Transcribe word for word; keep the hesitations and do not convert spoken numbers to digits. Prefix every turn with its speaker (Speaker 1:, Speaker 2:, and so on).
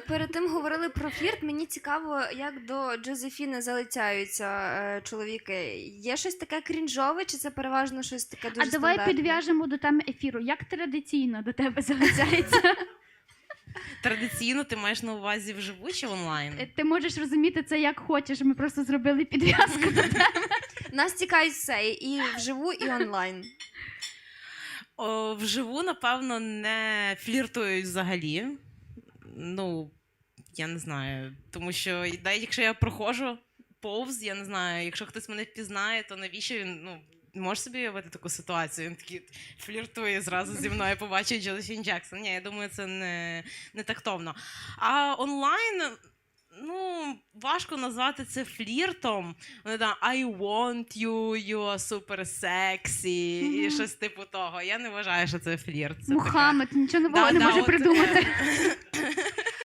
Speaker 1: перед тим говорили про флірт. Мені цікаво, як до Джозефіни залицяються е, чоловіки. Є щось таке крінжове, чи це переважно щось таке дуже
Speaker 2: А давай
Speaker 1: стандартне?
Speaker 2: підв'яжемо до теми ефіру. Як традиційно до тебе залицяється?
Speaker 3: Традиційно ти маєш на увазі вживу чи онлайн?
Speaker 2: Ти можеш розуміти це як хочеш, ми просто зробили підв'язку до тебе.
Speaker 1: Нас цікавить все, і вживу, і онлайн.
Speaker 3: О, вживу, напевно, не фліртують взагалі. Ну, я не знаю. Тому що навіть якщо я проходжу повз, я не знаю, якщо хтось мене впізнає, то навіщо він, ну, можеш собі уявити таку ситуацію? Він такий фліртує зразу зі мною, побачить Джозефін Джексон. Ні, я думаю, це не, не тактовно. А онлайн, ну, важко назвати це фліртом. Вони там I want you, you are super sexy,
Speaker 2: Мгм.
Speaker 3: і щось типу того. Я не вважаю, що це флірт. Це
Speaker 2: Мухаммед, нічого нового
Speaker 3: Да,
Speaker 2: не
Speaker 3: да,
Speaker 2: може
Speaker 3: от,
Speaker 2: придумати.
Speaker 3: е,